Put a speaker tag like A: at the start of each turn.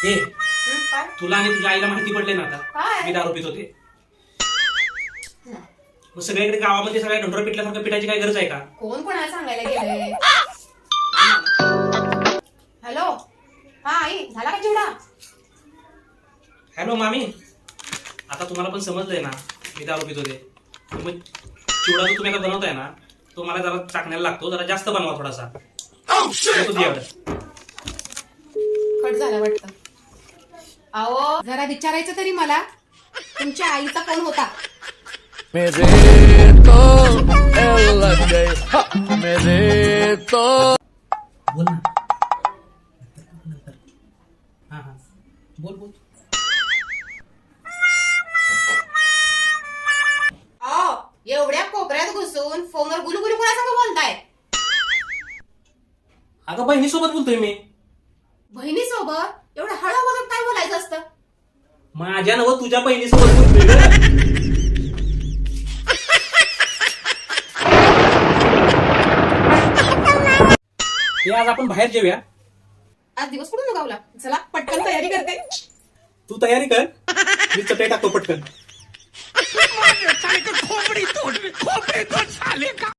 A: हे
B: काय?
A: तुला आणि तुझ्या आईला माहिती पडले ना आता
B: काय?
A: मी दारू पित होते. मग सगळीकडे गावामध्ये सगळ्या ढोंढरा पिटल्यासारखं पिटायची काय गरज आहे का?
B: कोण कोणाला सांगायला गेलंय? हॅलो, हा आई, झाला का चिवडा?
A: हॅलो मामी, आता तुम्हाला पण समजलंय ना मी दारू पित होते. मग चिवडा जो तुम्ही आता बनवताय ना तो मला जरा चाकण्याला लागतो, जरा जास्त बनवा थोडासा. तुझी ऑर्डर.
B: कट झाला वाटतं. अहो जरा विचारायचं तरी मला, तुमच्या आईचा फोन होता.
C: मेरे तो एल लग गई, मेरे तो
A: बोल ना. हा हा बोल बोल.
B: अहो एवढ्या कोपऱ्यात घुसून फोनवर गुलुगुलू कोणासंग बोलताय?
A: अगं बहिणीसोबत बोलतोय मी.
B: बहिणीसोबत एवढं हळू बघत काय बोलायचं असतं?
A: माझ्या नव तुझ्या बहिणीसोबत बोलतोय ग. हे आज आपण बाहेर जेऊया.
B: आज दिवस कुठून उगावला? चला पटकन तयारी करते.
A: तू तयारी कर, मी चटई टाकतो पटकन.
C: खोपड़ी तोड़ खोपड़ी तोड़ साले का.